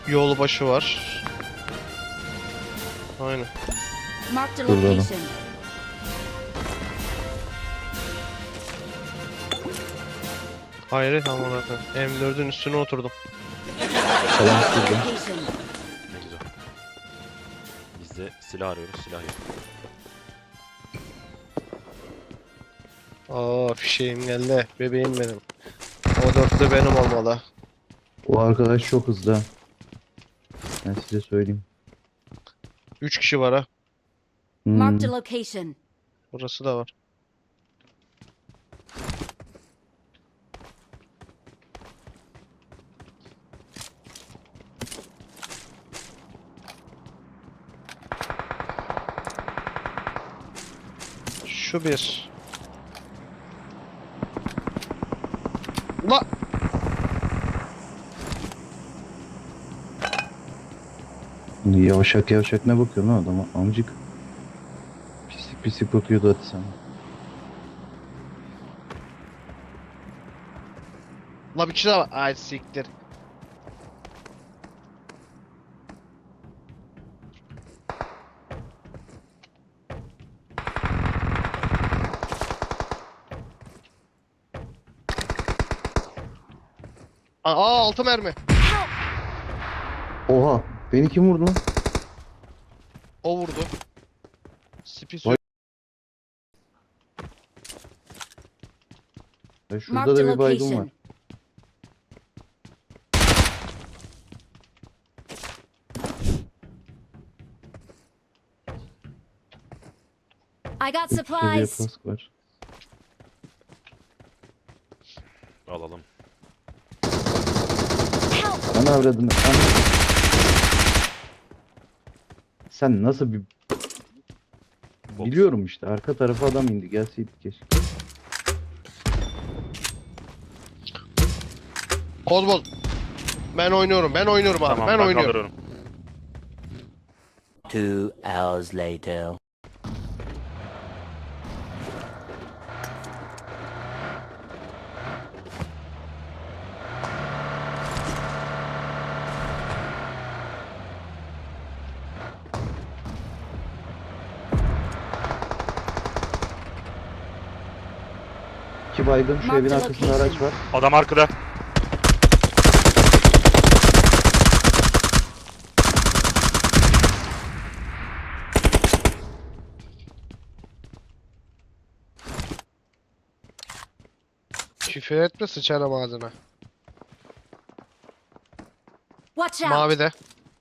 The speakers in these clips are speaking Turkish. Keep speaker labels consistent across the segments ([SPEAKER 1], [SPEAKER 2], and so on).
[SPEAKER 1] Yol başı var. Aynen.
[SPEAKER 2] Marked a
[SPEAKER 3] Şurada da.
[SPEAKER 2] location.
[SPEAKER 1] Hayret aman akım. M4'ün üstüne oturdum.
[SPEAKER 3] Falan
[SPEAKER 2] Marked a
[SPEAKER 3] şurada.
[SPEAKER 2] location.
[SPEAKER 4] Ne güzel. Biz de silah arıyoruz. Silah yok.
[SPEAKER 1] Aa fişeğim geldi. Bebeğim benim. O dörtlü benim olmalı.
[SPEAKER 3] O arkadaş çok hızlı. Ben size söyleyeyim.
[SPEAKER 1] 3 kişi var ha.
[SPEAKER 2] Marked a location.
[SPEAKER 1] Burası da var. Şu bir. Ula!
[SPEAKER 3] Yavşak yavşak ne bakıyorsun lan adama amcık. Pislik pislik bakıyordu hadi sana.
[SPEAKER 1] La bir kişi daha var. Ay siktir. Aa 6 mermi.
[SPEAKER 3] Oha beni kim vurdu lan?
[SPEAKER 1] O vurdu. Spis
[SPEAKER 3] Vay. Ya şurada
[SPEAKER 2] Marked
[SPEAKER 3] da
[SPEAKER 2] a
[SPEAKER 3] bir baygın var.
[SPEAKER 2] location. I got
[SPEAKER 3] İki seviye
[SPEAKER 2] supplies.
[SPEAKER 3] kask var.
[SPEAKER 4] Alalım.
[SPEAKER 2] Help!
[SPEAKER 3] Ana avradını. Sen nasıl bir...
[SPEAKER 4] Bot.
[SPEAKER 3] Biliyorum işte arka tarafa adam indi gelseydi keşke.
[SPEAKER 1] Kozboz. Ben oynuyorum. Ben oynuyorum abi.
[SPEAKER 4] Tamam
[SPEAKER 1] ben
[SPEAKER 4] ben
[SPEAKER 1] oynuyorum.
[SPEAKER 4] kaldırıyorum.
[SPEAKER 5] 2 hours later.
[SPEAKER 3] İki baygın şu evin
[SPEAKER 2] Marked
[SPEAKER 3] arkasında araç var.
[SPEAKER 4] Adam arkada.
[SPEAKER 1] Küfür etme sıçarım ağzına.
[SPEAKER 2] Watch out!
[SPEAKER 1] Mavi de.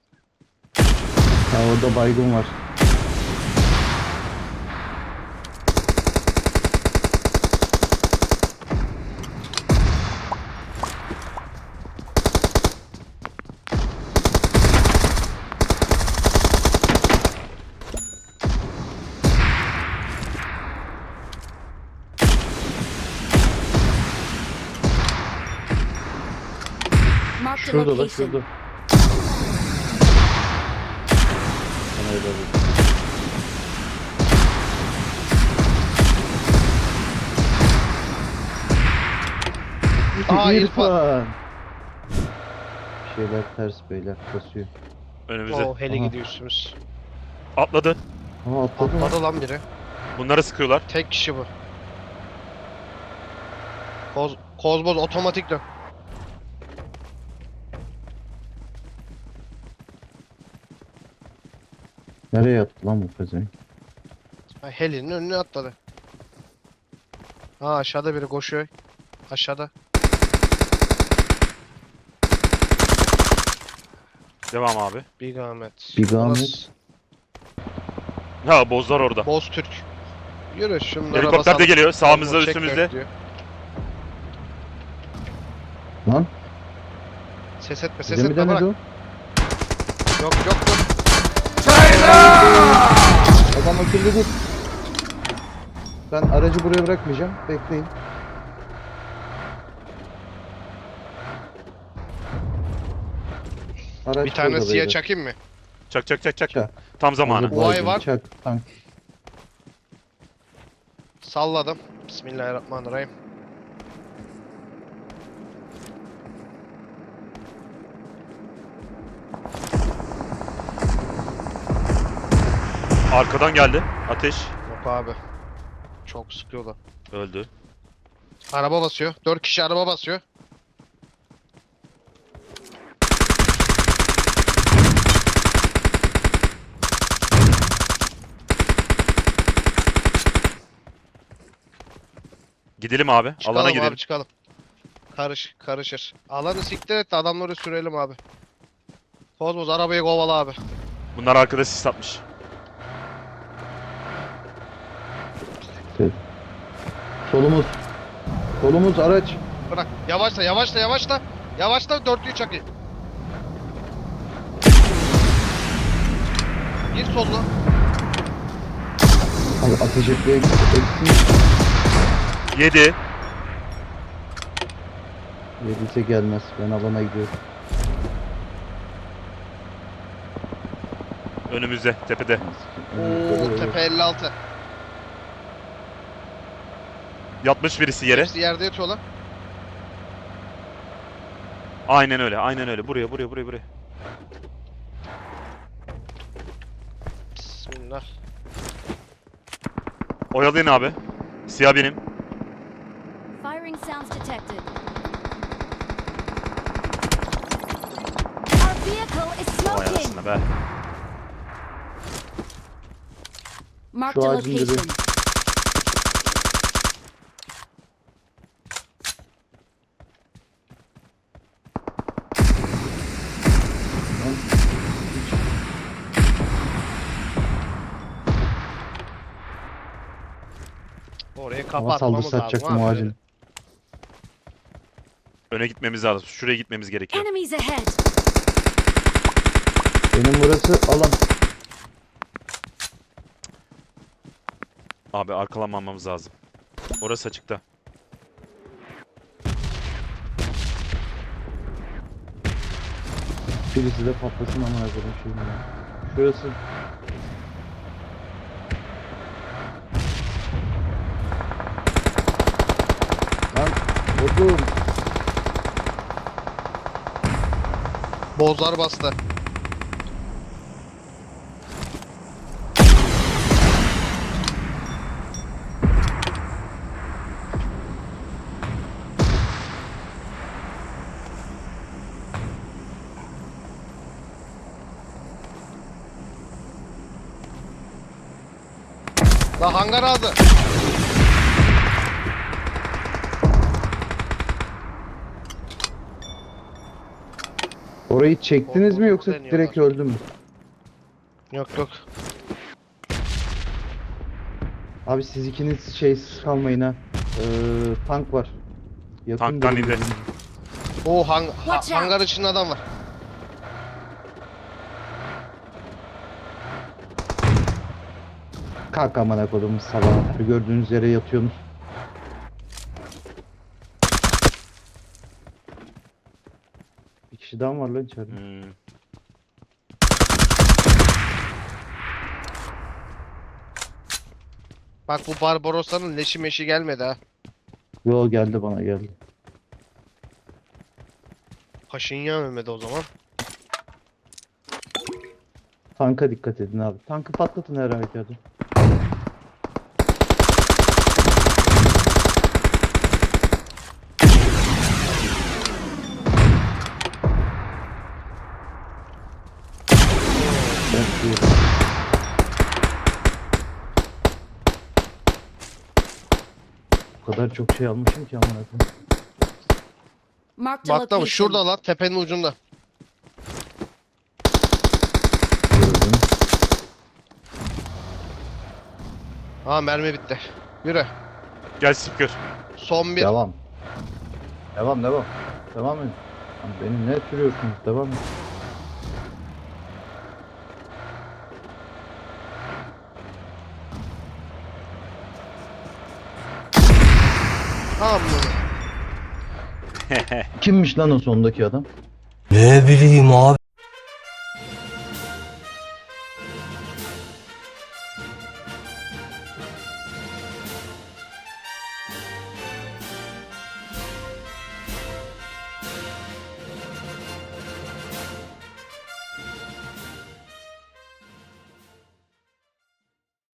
[SPEAKER 3] Ha orada baygın var.
[SPEAKER 2] Marked a
[SPEAKER 3] Şurada da
[SPEAKER 2] location.
[SPEAKER 3] şurada. Sana öyle alayım.
[SPEAKER 1] Aa,
[SPEAKER 3] İrfan. Bir şeyler ters beyler kasıyor.
[SPEAKER 4] Önümüze.
[SPEAKER 1] O heli
[SPEAKER 3] Aha.
[SPEAKER 1] gidiyor üstümüz.
[SPEAKER 4] Atladı.
[SPEAKER 3] Aha atladı mı?
[SPEAKER 1] Atladı lan biri.
[SPEAKER 4] Bunları sıkıyorlar.
[SPEAKER 1] Tek kişi bu. Kozboz otomatik dön.
[SPEAKER 3] Nereye yattı lan bu pezevenk?
[SPEAKER 1] Ha, helinin önüne atladı. Ha aşağıda biri koşuyor. Aşağıda.
[SPEAKER 4] Devam abi.
[SPEAKER 1] Big Ahmet.
[SPEAKER 3] Big Ahmet.
[SPEAKER 1] Burası
[SPEAKER 4] Ha bozlar orada.
[SPEAKER 1] Boz Türk. Yürü şunlara
[SPEAKER 4] Helikopter de
[SPEAKER 1] basalım.
[SPEAKER 4] geliyor. Sağımızda
[SPEAKER 1] Kozboz çek
[SPEAKER 4] üstümüzde.
[SPEAKER 1] bekliyor.
[SPEAKER 3] Lan
[SPEAKER 1] Ses etme ses
[SPEAKER 3] bize mi
[SPEAKER 1] etme bırak.
[SPEAKER 3] denedi o?
[SPEAKER 1] Yok yok yok.
[SPEAKER 3] Adam akıllı dur. Ben aracı buraya bırakmayacağım. Bekleyin. Araç
[SPEAKER 1] Bir tane
[SPEAKER 3] burada
[SPEAKER 1] siyah
[SPEAKER 3] beyler.
[SPEAKER 1] çakayım mı?
[SPEAKER 4] Çak çak çak çak.
[SPEAKER 3] Çak.
[SPEAKER 4] Tam zamanı.
[SPEAKER 3] Hazır
[SPEAKER 1] Vay
[SPEAKER 3] baygın,
[SPEAKER 1] var.
[SPEAKER 3] Çak. Tank.
[SPEAKER 1] Salladım. Bismillahirrahmanirrahim.
[SPEAKER 4] Arkadan geldi. Ateş.
[SPEAKER 1] Yok abi. Çok sıkıyorlar.
[SPEAKER 4] Öldü.
[SPEAKER 1] Araba basıyor. 4 kişi araba basıyor.
[SPEAKER 4] Gidelim abi.
[SPEAKER 1] Çıkalım
[SPEAKER 4] Alana gidelim.
[SPEAKER 1] abi çıkalım. Karışır. Alanı siktir et de adamları sürelim abi. Kozmos arabayı kovala abi.
[SPEAKER 4] Bunlar arkada sis atmış.
[SPEAKER 3] Solumuz. Solumuz araç.
[SPEAKER 1] Bırak. Yavaşla. Yavaşla dörtlüyü çakayım. Gir soluna.
[SPEAKER 3] Abi ateş etmeye gitsin.
[SPEAKER 4] 7.
[SPEAKER 3] Yediyse gelmez. Ben alana gidiyorum.
[SPEAKER 4] Önümüzde. Tepede.
[SPEAKER 1] Oo tepe 56.
[SPEAKER 4] Yatmış birisi yere.
[SPEAKER 1] Hepsi yerde yatıyorlar.
[SPEAKER 4] Aynen öyle. Aynen öyle. Buraya.
[SPEAKER 1] Bismillah.
[SPEAKER 4] Oyalayın abi. Siyah benim.
[SPEAKER 2] Firing sounds detected. Our vehicle is
[SPEAKER 4] Vay
[SPEAKER 2] smoking.
[SPEAKER 4] anasını be.
[SPEAKER 2] Marked
[SPEAKER 3] Şu
[SPEAKER 2] a
[SPEAKER 3] ağacın dibi.
[SPEAKER 2] location.
[SPEAKER 1] Orayı
[SPEAKER 3] Ama
[SPEAKER 1] kapatmamız
[SPEAKER 3] saldırı
[SPEAKER 1] lazım.
[SPEAKER 3] satacaktım o
[SPEAKER 1] abi.
[SPEAKER 3] ağacın.
[SPEAKER 4] Öne gitmemiz lazım. Şuraya gitmemiz gerekiyor.
[SPEAKER 2] Enemies ahead.
[SPEAKER 3] Benim burası alan.
[SPEAKER 4] Abi arkalanmamamız lazım. Orası açıkta.
[SPEAKER 3] Birisi de patlasın ama hazırım şeyim ya. Şurası. Lan oğlum.
[SPEAKER 1] Bozlar bastı. La hangar aldı.
[SPEAKER 3] Orayı çektiniz mi yoksa
[SPEAKER 1] Deniyorlar.
[SPEAKER 3] direkt öldü mü?
[SPEAKER 1] Yok.
[SPEAKER 3] Abi siz ikiniz şeysiz kalmayın ha. Tank var. Yakın
[SPEAKER 4] Tanktan
[SPEAKER 3] durun
[SPEAKER 4] indi.
[SPEAKER 3] birbirinize.
[SPEAKER 1] O
[SPEAKER 2] Watch out.
[SPEAKER 1] hangar içinde adam var.
[SPEAKER 3] Kalk amına kodumun sabahı. Gördüğünüz yere yatıyorsunuz. Bir kişi daha mı var lan içeride?
[SPEAKER 4] Hmm.
[SPEAKER 1] Bak bu Barbarosa'nın leşi meşi gelmedi ha.
[SPEAKER 3] Yo geldi bana geldi.
[SPEAKER 1] Paşinyan ölmedi o zaman.
[SPEAKER 3] Tanka dikkat edin abi. Tankı patlatın her halükarda. Ben diyorum. O kadar çok şey almışım ki amına koyayım.
[SPEAKER 2] Marked a
[SPEAKER 1] Bak da
[SPEAKER 2] location.
[SPEAKER 1] şurada lan tepenin ucunda.
[SPEAKER 3] Gördüm.
[SPEAKER 1] Ha mermi bitti. Yürü.
[SPEAKER 4] Gel Spiker.
[SPEAKER 1] Son bir.
[SPEAKER 3] Devam. Devam. Devam edin. Lan beni ne sürüyorsunuz? Devam edin.
[SPEAKER 1] Tamam mı?
[SPEAKER 3] Kimmiş lan o sondaki adam?
[SPEAKER 5] Ne bileyim abi.